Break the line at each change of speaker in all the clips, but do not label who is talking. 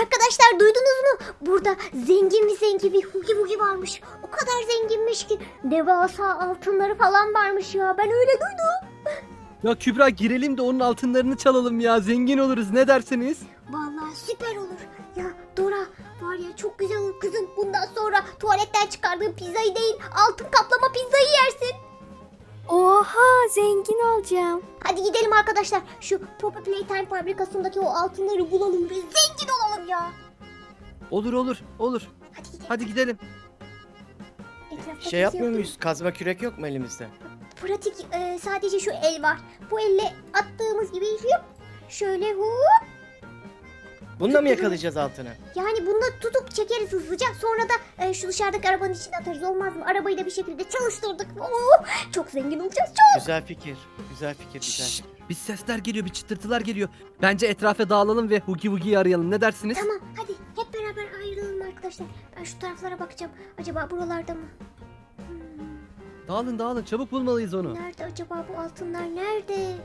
Arkadaşlar duydunuz mu? Burada zengin bir Hugi Bugi varmış. O kadar zenginmiş ki devasa altınları falan varmış ya. Ben öyle duydum.
Ya Kübra girelim de onun altınlarını çalalım ya. Zengin oluruz, ne dersiniz?
Vallahi süper olur. Ya Dora var ya, çok güzel olur kızım. Bundan sonra tuvaletten çıkardığın pizzayı değil, altın kaplama pizzayı yersin.
Oha, zengin olacağım.
Hadi gidelim arkadaşlar. Şu Poppy Playtime fabrikasındaki o altınları bulalım ve zengin olalım ya.
Olur.
Hadi gidelim.
Hadi gidelim.
Etrafta
Şey
kimse
yapmıyor
yok değil mi?
muyuz? Kazma kürek yok mu elimizde?
Pratik sadece şu el var. Bu elle attığımız gibi hop, şöyle hop.
Bununla mı yakalayacağız altını?
Yani bunu tutup çekeriz hızlıca. Sonra da şu dışarıdaki arabanın içine atarız, olmaz mı? Arabayı da bir şekilde çalıştırdık. Oo, çok zengin olacağız, çok.
Güzel fikir. Güzel fikir.
Şşş, bir sesler geliyor, bir çıtırtılar geliyor. Bence etrafa dağılalım ve Hugi Wugi'yi arayalım. Ne dersiniz?
Tamam, hadi hep beraber ayrılalım arkadaşlar. Ben şu taraflara bakacağım. Acaba buralarda mı?
Dağılın, çabuk bulmalıyız onu.
Nerede acaba bu altınlar? Nerede?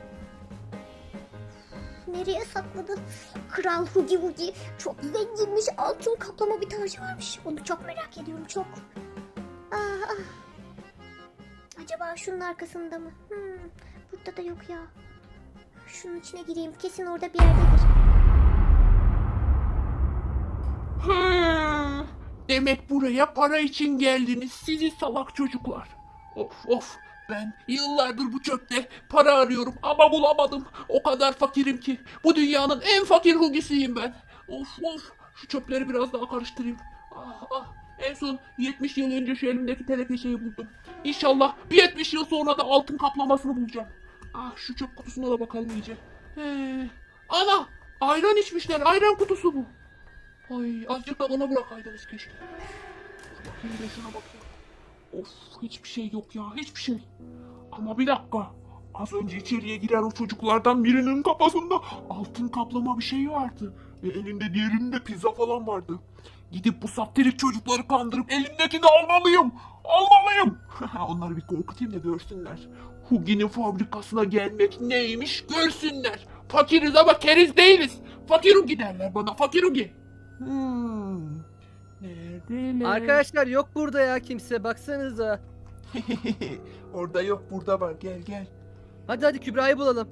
Nereye sakladı? Kral Hugi Wugi çok zenginmiş. Altın kaplama bir tacı varmış. Onu çok merak ediyorum, çok. Ah. Acaba şunun arkasında mı? Burada da yok ya. Şunun içine gireyim. Kesin orada bir yerdedir.
Demek buraya para için geldiniz sizi salak çocuklar. Of, ben yıllardır bu çöpte para arıyorum ama bulamadım. O kadar fakirim ki. Bu dünyanın en fakir hugisiyim ben. Of, şu çöpleri biraz daha karıştırayım. En son 70 yıl önce şu elimdeki teneke buldum. İnşallah bir 70 yıl sonra da altın kaplamasını bulacağım. Şu çöp kutusuna da bakalım iyice. Ana, ayran içmişler, ayran kutusu bu. Ay, azıcık da bana bırakaydınız keşke. Bakayım da şuna bakayım. Of, hiçbir şey yok ya, hiçbir şey. Ama bir dakika. Az önce içeriye giren o çocuklardan birinin kafasında altın kaplama bir şey vardı. Ve elinde diğerinde pizza falan vardı. Gidip bu saftirik çocukları kandırıp elimdekini almalıyım. Onları bir korkutayım da görsünler. Hugi'nin fabrikasına gelmek neymiş görsünler. Fakiriz ama keriz değiliz. Fakir Hugi derler bana, fakir Hugi. Neredeler?
Arkadaşlar yok burada ya kimse. Baksanıza.
Orada yok, burada var. Gel.
Hadi Kübra'yı bulalım.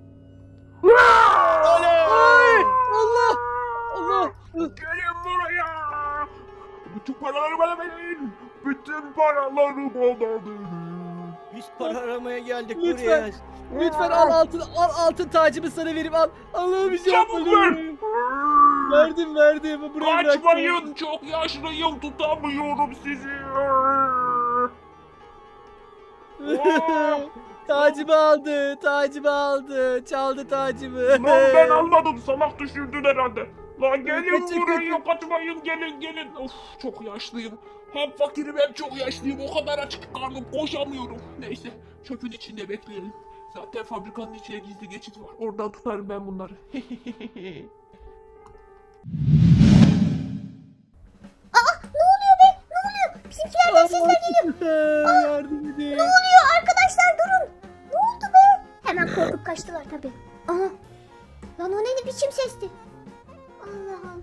Oley!
Allah!
Gelin buraya. Bütün paraları bana verin. Bütün paraları bana verin.
Biz para aramaya geldik
Lütfen.
buraya.
Lütfen al altın tacımı sana vereyim, al. Allah'ım bir şey
Çabuk
yapma.
ver.
Verdim. Buraya bıraktım.
Kaçmayın, çok yaşlıyım, tutamıyorum sizi.
Tacımı aldı. Çaldı tacımı.
Lan ben almadım, salak düşürdün herhalde. Lan gelin
Kaçın,
buraya, kaçmayın, gelin. Of, çok yaşlıyım. Hem fakirim hem çok yaşlıyım. O kadar açık karnım, koşamıyorum. Neyse, çöpün içinde bekleyelim. Zaten fabrikanın içine gizli geçit var. Oradan tutarım ben bunları.
Ne oluyor be? Ne oluyor? Bizimkilerden sesler geliyor.
Yardım edin.
Ne oluyor arkadaşlar, durun. Ne oldu be? Hemen korkup kaçtılar tabii. Aha. Lan o ne biçim sesti? Allah.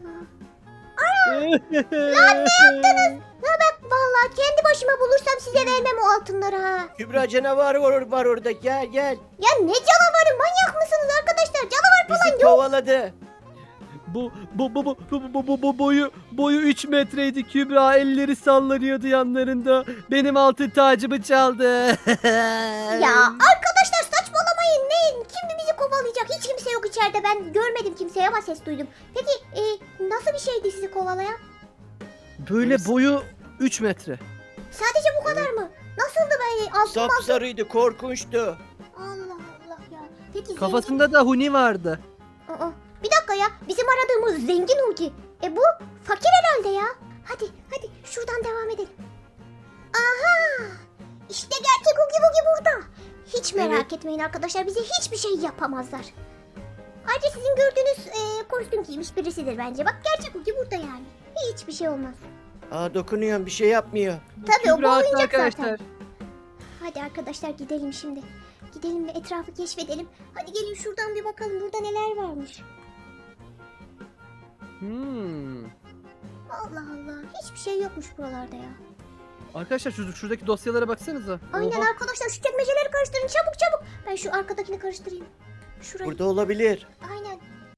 Ya bak vallahi kendi başıma bulursam size vermem o altınları ha.
Kübra canavar var orada. Gel.
Ya ne canavarı, manyak mısınız arkadaşlar? Canavar falan
Bizi
yok.
kovaladı.
Bu boyu 3 metreydi Kübra, elleri sallanıyordu yanlarında. Benim altın tacımı çaldı.
Ya arkadaşlar saçmalamayın. Kim bizi kovalayacak? Hiç kimse yok içeride. Ben görmedim kimseyi ama ses duydum. Peki nasıl bir şeydi sizi kovalayan?
Böyle boyu 3 metre.
Sadece bu kadar mı? Nasıldı böyle altın?
Sapsarıydı, korkunçtu.
Allah ya. Peki
Kafasında da huni vardı.
Aa, bir dakika ya. Bizim aradığımız zengin Hugi. Bu fakir herhalde ya. Hadi şuradan devam edelim. Aha! İşte gerçek Hugi Bugi burada. Hiç merak etmeyin arkadaşlar. Bize hiçbir şey yapamazlar. Ayrıca sizin gördüğünüz kostüm giymiş birisidir bence. Bak gerçek Hugi burada yani. Hiçbir şey olmaz.
Dokunuyorum, bir şey yapmıyor.
Tabii o bu
Kübra haklı
oyuncak
arkadaşlar.
zaten. Hadi arkadaşlar gidelim şimdi. Gidelim ve etrafı keşfedelim. Hadi gelin şuradan bir bakalım burada neler varmış. Allah Allah. Hiçbir şey yokmuş buralarda ya.
Arkadaşlar şuradaki dosyalara baksanıza.
Aynen
Oha.
arkadaşlar şu çekmeceleri karıştırın çabuk çabuk. Ben şu arkadakini karıştırayım. Şurayı.
Burada olabilir.
Aynen.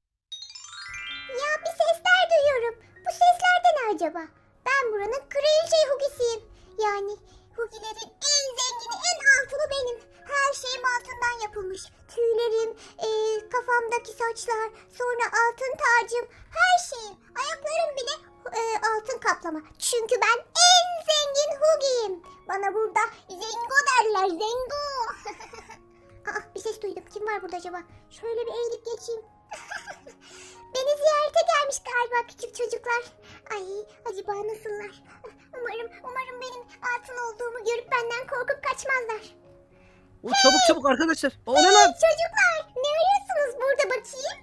Ya bir sesler duyuyorum. Bu sesler de ne acaba? Ben buranın kraliçe Hugi'siyim. Yani Hugi'lerin en zengini, en altını benim. Her şeyim altından yapılmış. Tüylerim, kafamdaki saçlar, sonra altın tacım, her şeyim. Ayaklarım bile altın kaplama. Çünkü ben en zengin Hugi'yim. Bana burada Zengo derler, Zengo. Aa, bir ses duydum. Kim var burada acaba? Şöyle bir eğilip geçeyim. Beni ziyarete gelmiş galiba küçük çocuklar. Ay, acaba nasıllar? Umarım benim altın olduğumu görüp benden korkup kaçmazlar.
O, çabuk arkadaşlar. O ne lan?
Çocuklar, ne arıyorsunuz burada bakayım?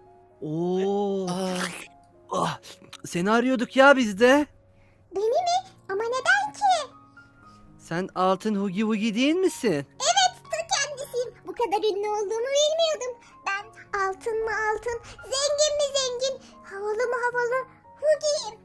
Oo.
Aa,
Ah, seni arıyorduk ya biz de.
Beni mi? Ama neden ki?
Sen altın Hugi Wugi değil misin?
Evet, ta kendisiyim. Bu kadar ünlü olduğumu bilmiyordum. Ben altın mı altın, zengin mi zengin, havalı mı havalı Hugi'yim.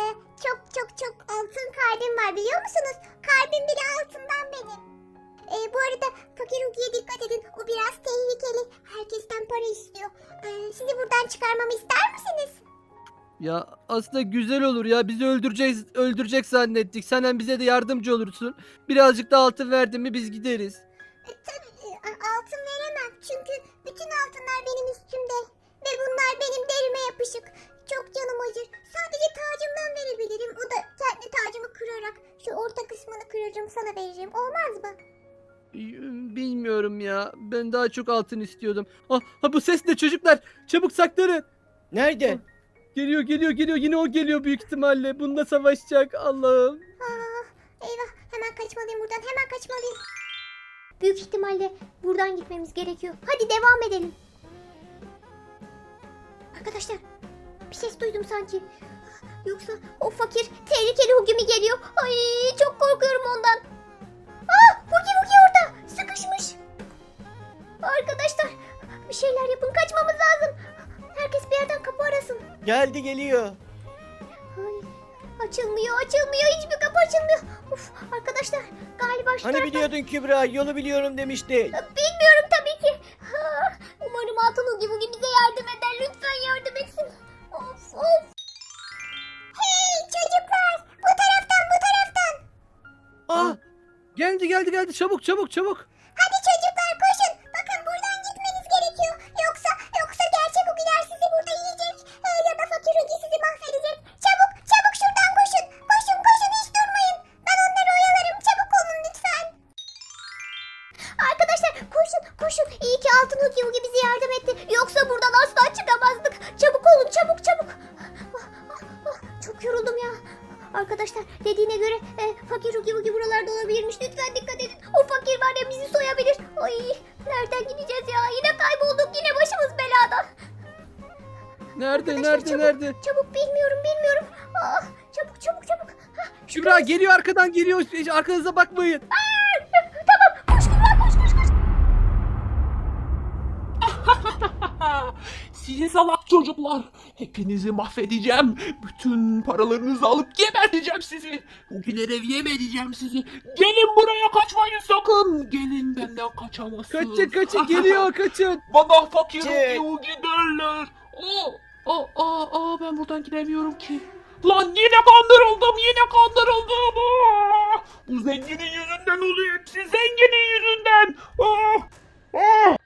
Çok altın kalbim var biliyor musunuz? Kalbim bile altından benim. Bu arada fakir Hugi'ye dikkat edin. O biraz tehlikeli. Herkesten para istiyor. Sizi buradan çıkarmamı ister misiniz?
Ya aslında güzel olur ya. Bizi öldürecek zannettik. Sen hem bize de yardımcı olursun. Birazcık da altın verdin mi biz gideriz.
Tabii altın veremem. Çünkü bütün altınlar benim üstümde. Ve bunlar benim derime yapışık. Çok canım acır. Sadece tacımdan verebilirim. O da kendi tacımı kırarak. Şu orta kısmını kırarım sana veririm. Olmaz mı?
Bilmiyorum ya. Ben daha çok altın istiyordum. Ah, bu ses ne çocuklar? Çabuk saklanın.
nerede?
Geliyor. Yine o geliyor büyük ihtimalle. Bununla savaşacak. Allah'ım.
Eyvah, hemen kaçmalıyım buradan. Hemen kaçmalıyım. Büyük ihtimalle buradan gitmemiz gerekiyor. Hadi devam edelim. Arkadaşlar, bir ses duydum sanki. Yoksa o fakir tehlikeli Hugi mi geliyor? Ay, çok korkuyorum ondan. Hugi orada sıkışmış. Arkadaşlar, bir şeyler yapın, kaçmamız lazım. Herkes bir yerden kapı arasın.
Geldi geliyor.
Ay, açılmıyor. Hiçbir kapı açılmıyor. Uf, arkadaşlar galiba şu
Hani
taraftan...
biliyordun Kübra, yolu biliyorum demiştin.
Bilmiyorum tabii ki. Umarım Altın Hugi Bugi bize yardım eder. Lütfen yardım etsin. Of. Hey çocuklar, bu taraftan.
Ah, geldi. Çabuk.
Hadi çocuklar koşun. Bakın buradan gitmeniz gerekiyor. Yoksa gerçek Hugiler sizi burada yiyecek. Ya da fakir Hugi sizi mahvedecek. Çabuk şuradan koşun. Koşun hiç durmayın. Ben onları oyalarım. Çabuk olun lütfen. Arkadaşlar koşun. İyi ki Altın Hugi Hugi bize yardım etti. Yoksa buradan asla çıkamazdık. Çabuk olun çabuk. Çok yoruldum ya. Arkadaşlar dediğine göre fakir Hugi Hugi buralarda olabilirmiş. Lütfen dikkat edin. O fakir var ya bizi soyabilir. Ay, nereden gideceğiz ya? Yine kaybolduk. Yine başımız belada. Arkadaşlar,
Nerede?
Çabuk bilmiyorum. Çabuk.
Kübra geliyor, arkadan geliyor. Arkanıza bakmayın.
Koş.
Sizi salak çocuklar. Hepinizi mahvedeceğim. Bütün paralarınızı alıp geberteceğim sizi. Bugünlere yem edeceğim sizi. Gelin buraya, kaçmayın sakın. Gelin, benden kaçamazsınız.
Kaçın geliyor, kaçın.
Bana fakir
Çık.
Hugi derler. Ben buradan gidemiyorum ki. Lan yine kandırıldım. Bu zenginin yüzünden oluyor hepsi. Zenginin yüzünden.